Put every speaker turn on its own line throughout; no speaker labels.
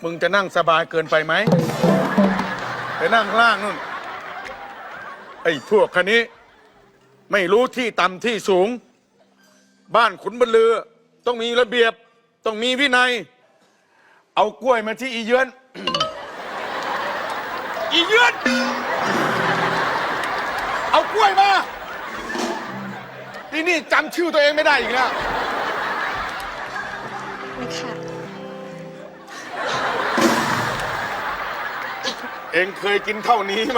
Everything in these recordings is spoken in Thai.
มึงจะนั่งสบายเกินไปไหมไปนั่งข้างล่างนู่นไอ้พวกคันนี้ไม่รู้ที่ต่ำที่สูงบ้านขุนบรรลือต้องมีระเบียบต้องมีวินัยเอากล้วยมาที่อีเยือน อีเยือนเอากล้วยมาที่นี่จำชื่อตัวเองไม่ได้อีกแล้ว
ไม่ค่ะ
เองเคยกินเท่านี้ไหม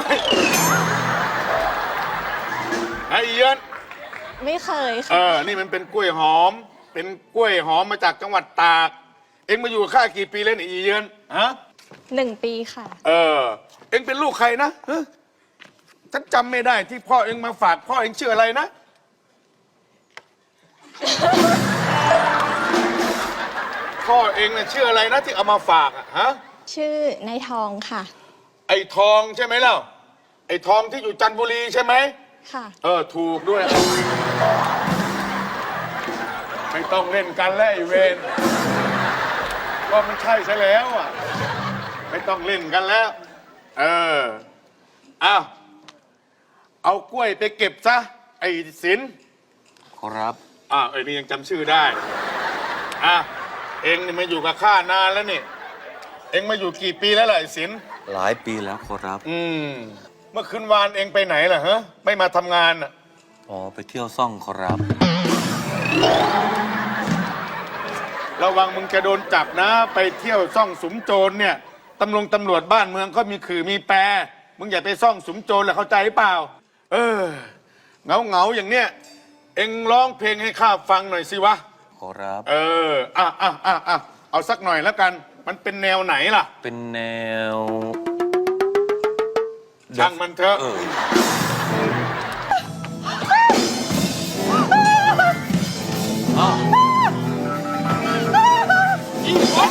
ไอ้เยือน
ไม่เคยค่ะ
นี่มันเป็นกล้วยหอมเป็นกล้วยหอมมาจากจังหวัดตากเองมาอยู่ข้ากี่ปีแล้วเนี่ยอีเยือนฮะ
1 ปีค่ะ
เอ็งเป็นลูกใครนะฉันจำไม่ได้ที่พ่อเอ็งมาฝากพ่อเอ็งชื่ออะไรนะ พ่อเอ็งน่ะชื่ออะไรนะที่เอามาฝากอะฮะ
ชื่อนายทองค่ะ
ไอ้ทองใช่ไหมเล่าไอ้ทองที่อยู่จันทบุรีใช่ไหม
ค่ะ
ถูกด้วยไม่ต้องเล่นกันแล้วไอ้เวนก็มันใช่ซะแล้วอ่ะไม่ต้องเล่นกันแล้วเอากล้วยไปเก็บซะไอ้ศิลป์
ครับ
ไอ้นี่ยังจำชื่อได้เอ็งนี่มาอยู่กับข้านานแล้วนี่เอ็งมาอยู่กี่ปีแล้วล่ะไอ้ศิลป์
หลายปีแล้วครับ
เมื่อคืนวานเอ็งไปไหนล่ะฮะไม่มาทำงานอ่ะ
อ๋อไปเที่ยวซ่องครับ
ระวังมึงจะโดนจับนะไปเที่ยวซ่องสุมโจรเนี่ยตำรวจบ้านเมืองก็มีขื่อมีแปรมึงอย่าไปซ่องสุมโจรแหละเข้าใจหรือเปล่าเงาอย่างเนี้ยเอ็งร้องเพลงให้ข้าฟังหน่อยสิวะ
ครับ
เอาสักหน่อยแล้วกันมันเป็นแนวไหนล่ะ
เป็นแนว
ช่างมันเถอะอีกคน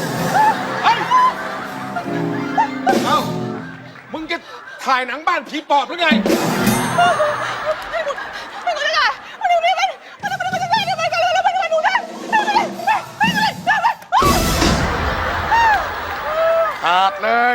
มึงจะถ่ายหนังบ้านผีปอบหรือไงขาดเลย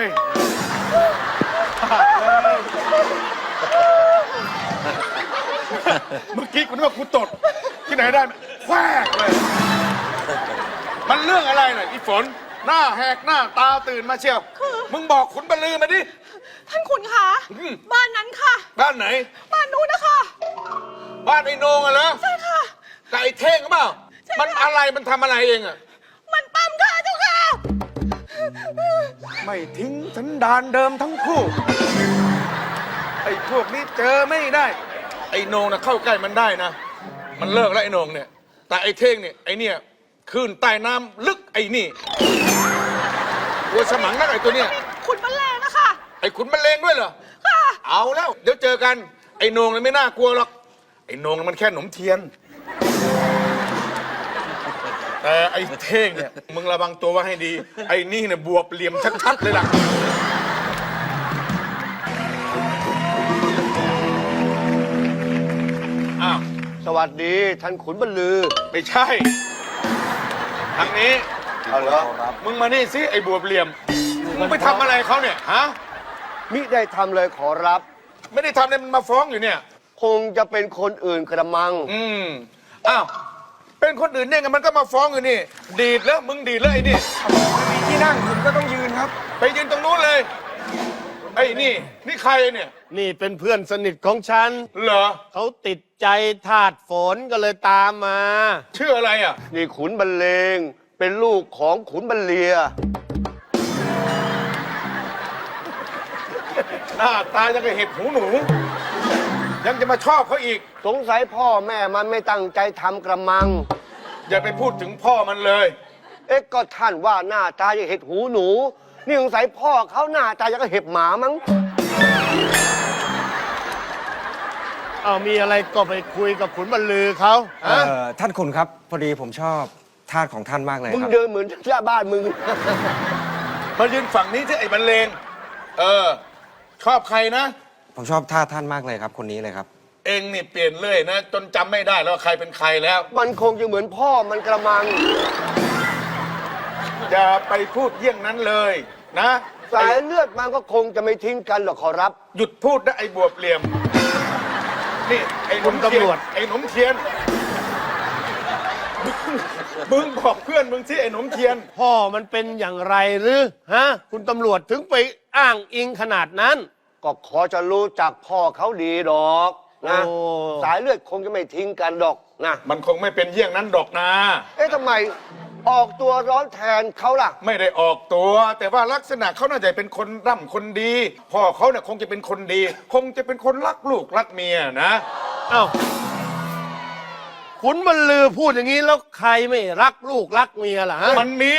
เมื่อกี้กูนึกว่ากูตดที่ไหนได้แควกเลยมันเรื่องอะไรน่ะอีฝนหน้าแหกหน้าตาตื่นมาเชียวมึงบอกขุนบรรลือมาดิ
ท่านขุนคะบ้านนั้นค่ะ
บ้านไหน
บ้านนู้นนะคะ
บ้านไอ้โหนงอะเหรอ
ใช่ค่ะ
กับไอ้เท่งหรือเปล่า
ใช่ค่ะ
มันอะไรมันทำอะไรเองอะ
มันปั๊มค่ะเจ้าค่ะ
ไม่ทิ้งสันดานเดิมทั้งคู่ไอ้พวกนี้เจอไม่ได้ไอ้โหนงน่ะเข้าใกล้มันได้นะมันเลิกแล้วไอ้โหนงเนี่ยแต่ไอ้เท่งเนี่ยไอ้เนี่ยขึ้นใต้น้ำลึกไอ้นี่ตัวสมังนักไอ้ตัวเนี้ย
ขุนมันแรงนะคะ
ไอ้ขุนมันเลงด้วยเหรอ
ค่ะ
เอาแล้วเดี๋ยวเจอกันไอ้โหนงเนี่ยไม่น่ากลัวหรอกไอ้โหนงมันแค่หนมเทียนแต่ไอ้เท่งเนี่ยมึงระวังตัวไว้ให้ดีไอ้นี่เนี่ยบวบเหลี่ยมชัดๆเลยล่ะอ้าว
สวัสดีท่านขุนบรรลือ
ไม่ใช่ทางนี้
เอาเหรอ
มึงมานี่สิไอ้บวบเหลี่ยมมึงไปทำอะไรเขาเนี่ยฮะ
มิได้ทำเลยขอรับ
ไม่ได้ทำเลยมันมาฟ้องอยู่เนี่ย
คงจะเป็นคนอื่นกระมัง
อ้าวเป็นคนอื่นเนี่ยไงมันก็มาฟ้องอยู่นี่ดีดแล้วมึงดีดแล้วไอ้นี่มีที่นั่งคุณก็ต้องยืนครับ ไปยืนตรงนู้นเลยไอ้นี่ใครเนี่ย
นี่เป็นเพื่อนสนิทของฉัน
เหรอ
เขาติดใจธาตุฝนก็เลยตามมา
ชื่ออะไรอ่ะ
นี่ขุนบรรเลง เป็นลูกของขุนบรรเลีย
หน้าตายังกับเห็บหูหนู ยังจะมาชอบเขาอีก
สงสัยพ่อแม่มันไม่ตั้งใจทำกระมัง
อย่าไปพูดถึงพ่อมันเลย
เอ๊ะก็ท่านว่าหน้าตาอย่างเห็ดหูหนู นี่สงสัยพ่อเขาหน้าตาอย่างกับเห็บหมามั้ง เอามีอะไรก็ไปคุยกับขุนบรรลือเขา
ท่านขุนครับพอดีผมชอบทาสของท่านมากเลย
มึง
ครับ
เดินเหมือนชาวบ้านมึง
มายืนฝั่งนี้ที่ไอ้บรรเลงชอบใครนะ
ผมชอบทาสท่านมากเลยครับคนนี้เลยครับ
เองนี่เปลี่ยนเรื่อยนะ จนจำไม่ได้แล้วว่าใครเป็นใครแล้ว
มันคงจะเหมือนพ่อมันกระมัง
อย่าไปพูดเยี่ยงนั้นเลยนะ
สายเลือดมันก็คงจะไม่ทิ้งกันหรอกขอรับ
หยุดพูดนะไอ้บวบเหลี่ยม นี่ไอ้หนมเทียนไอ้หนมเทียนมึงบอกเพื่อนมึงสิไอ้หนมเทียน
พ่อมันเป็นอย่างไรหรือฮะคุณตำรวจถึงไปอ้างอิงขนาดนั้น
ก็ขอจะรู้จักพ่อเขาดีดอกนะ
โอ้
สายเลือดคงจะไม่ทิ้งกันดอกนะ
มันคงไม่เป็นเยี่ยงนั้นดอกนะ
เอ๊ะทำไมออกตัวร้อนแทนเขาล่ะ
ไม่ได้ออกตัว แต่ว่าลักษณะเขาน่าจะเป็นคนร่ำคนดี พ่อเขาเนี่ยคงจะเป็นคนดี คงจะเป็นคนรักลูกรักเมียนะ
เอ้าขุนบรรลือพูดอย่างนี้แล้วใครไม่รักลูกรักเมียล่ะฮะ
มันมี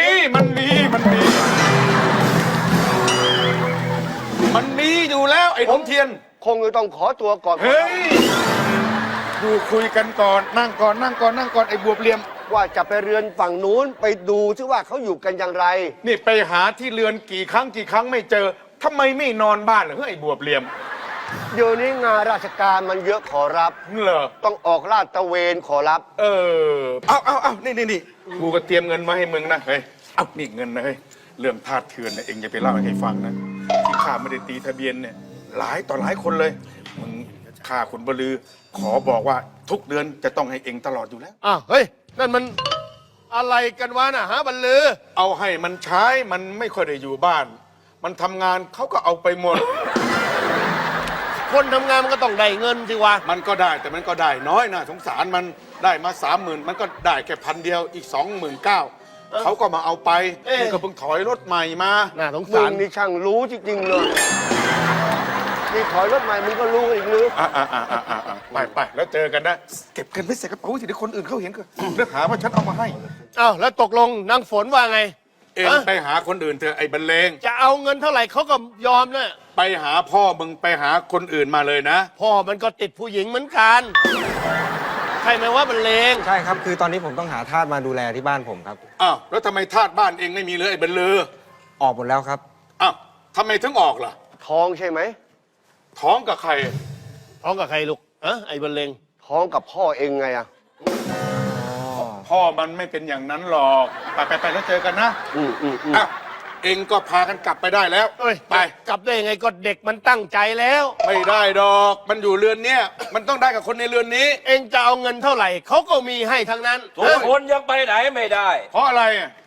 อยู่แล้วไอ้หนมเทียน
คงจะต้องขอตัวก่อน
เฮ้ยดูคุยกันก่อนนั่งก่อนไอ้บวบเหลี่ยม
ว่าจะไปเรือนฝั่งนู้นไปดูซิว่าเขาอยู่กันอย่างไร
นี่ไปหาที่เรือนกี่ครั้งไม่เจอทำไมไม่นอนบ้านเหรอเฮ้ยไอ้บวบเหลี่ยม
เดี๋ยวนี้งานราชการมันเยอะขอรับ
เหรอ
ต้องออกลาดตระเวนขอรับ
เอานี่กูก็เตรียมเงินมาให้มึงนะเฮ้ยเอานี่เงินนะเฮ้ยเรื่องทาสเถื่อนเนี่ยเองอย่าไปเล่าให้ใครฟังนะที่ข้าไม่ได้ตีทะเบียนเนี่ยหลายต่อหลายคนเลยมึงข้าขุนบลือ ขอบอกว่าทุกเดือนจะต้องให้เองตลอดอยู่แล้ว
อ้าวเฮ้ยนั่นมันอะไรกันวะน่ะฮะบรรลือ
เอาให้มันใช้มันไม่ค่อยได้อยู่บ้าน มันทำงานเขาก็เอาไปหมด
คนทำงานมันก็ต้องได้เงินสิวะ
มันก็ได้แต่มันก็ได้น้อยนะสงสารมันได้มา30,000มันก็ได้แค่1,000เดียวอีก29,000เขาก็มาเอาไป
เอ๊ะ
นี่ก็เพิ่งถอยรถใหม่มา
น่าสง
มึ
สาง ร
นี่ช่างรู้จริงๆเลยนี่ถอยรถใหม่มึงก็รู้อีกหรือ
ไปแล้วเจอกันนะเก็บเงินไว้ใส่กระเป๋าสิเดี๋ยวคนอื่นเขาเห็นก็เลือกหาว่าฉันเอามาให้
อ้าวแล้วตกลงนางฝนว่าไง
เอง
ฮะ
ไปหาคนอื่นเถอะไอ้บรรเลง
จะเอาเงินเท่าไหร่เขาก็ยอมนะ
ไปหาพ่อมึงไปหาคนอื่นมาเลยนะ
พ่อมันก็ติดผู้หญิงเหมือนกันใช่ไหมว่าบรรเลง
ใช่ครับ คือตอนนี้ผมต้องหาทาสมาดูแลที่บ้านผมครับ
อ้าวแล้วทำไมทาสบ้านเองไม่มีเลยไอ้บรรลือ
ออกหมดแล้วครับ
อ้าวทำไมถึงออกล่ะ
ท้องใช่ไหม
ท้องกับใคร
ท้องกับใครลูกอะไอ้บรรเลง
ท้องกับพ่อเองไงอะ
พ่อมันไม่เป็นอย่างนั้นหรอกไปแล้วเจอกันนะ อ้าวเองก็พากันกลับไปได้แล้ว
เอ้ย
ไป
กลับได้ยังไงก็เด็กมันตั้งใจแล้ว
ไม่ได้ดอก มันอยู่เรือนเนี้ยมันต้องได้กับคนในเรือนนี้
เองจะเอาเงินเท่าไหร่เขาก็มีให้ทั้งนั้น
ทุกคนยังไปไหนไม่ได้
เพราะอะไรอ่ะ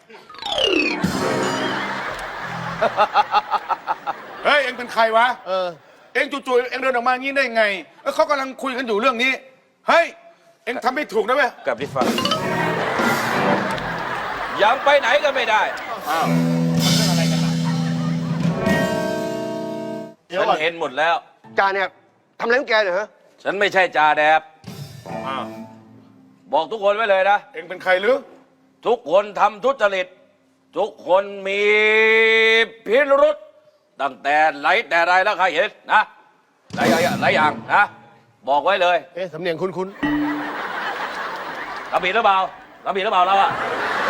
เฮ้ย เอ็งเป็นใครวะ เอ็งจู่ๆเอ็งเดินออกมางี้ได้ไงแล้วเขากำลังคุยกันอยู่เรื่องนี้ เฮ้ย เอ็งทำไม่ถูกนะเว้ย
กับที่ฟังยังไปไหนก็ไม่ได้
อ้าว
เดี๋ยว
ฉัน
ก่อน
เห็นหมดแล้ว
จาเนี่ยทำอะไรของแกเนี่ยฮะ
ฉันไม่ใช่จ่าแดบ
อ้าว
บอกทุกคนไว้เลยนะ
เอ็งเป็นใครหรือ
ทุกคนทำทุจริต ทุกคนมีพิรุษตั้งแต่ไหนแต่ไรแล้วใครเห็นนะหลายอย่างนะ บอกไว้เลย
เอ๊ะสำเนียงคุ้น
ทำผิดหรือเปล่าทำผิดหรือเปล่าเราอะ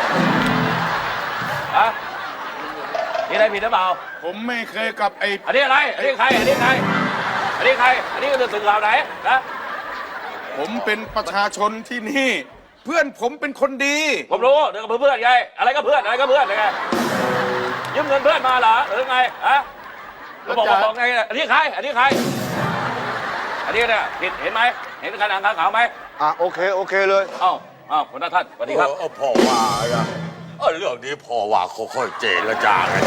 ฮะมีอะไรผิดหรือเปล่า
ผมไม่เคยกับไอ้
อันนี้อะไร อันนี้ใคร อันนี้ใคร อันนี้ใคร อันนี้ก็จะสื่อข่าวไหนนะ
ผมเป็นประชาชนที่นี่ เพื่อนผมเป็นคนดี
ผมรู้เดี๋ยวกับเพื่อนไง อะไรก็เพื่อน อะไรก็เพื่อนไงยืมเงินเพื่อนมาเหรอหรือไงฮะบอกไง อันนี้ใคร อันนี้ใคร อันนี้เนี่ยผิดเห็นไหม เห็นขนาดขาวไหม
โอเคเลย
เอ้าคุณท่านสวัสดีครับ
พ่อว่าอะเรื่องนี้พ่อว่าค่อยๆเจรจากัน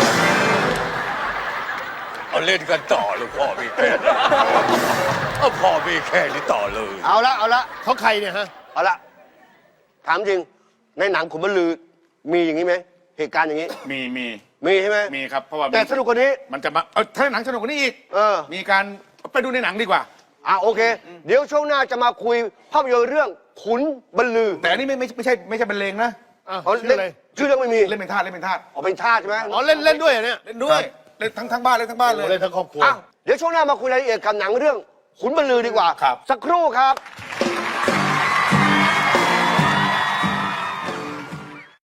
เอาเล่นกันต่อเลยพ่อมีแค่นี้พ่อมีแค่นี้ต่อเลย
เอาละ
ๆเขาใครเนี่ยฮะ
เอาละถามจริงในหนังขุนบรรลือมีอย่างนี้ไหมเหตุการณ์อย่างนี้
มี
มีใช่ไหม
มีครับ เพราะว่า
แต่สนุกกว่านี้
มันจะมาถ้าหนังสนุกกว่านี้อีก มีการไปดูในหนังดีกว่า
โอเค เดี๋ยวช่วงหน้าจะมาคุยภาพยนตร์เรื่องขุนบรรลือ
แต่อันนี้ไม่ใช่บรรเลงนะ
ชื่ออะไร
ชื่อเรื่องไม่มี
เล่นเป็นทาส
เป็นชาติใช่ไหม
อ๋อเล่นด้วยเหรอเนี่ย
เล่นด้วยเล่นทั้งบ้านเลย
เล่นทั้งครอบครัว
เดี๋ยวช่วงหน้ามาคุยรายละเอียดกับหนังเรื่องขุนบรรลือดีกว่า
ครับ
สักครู่ครับ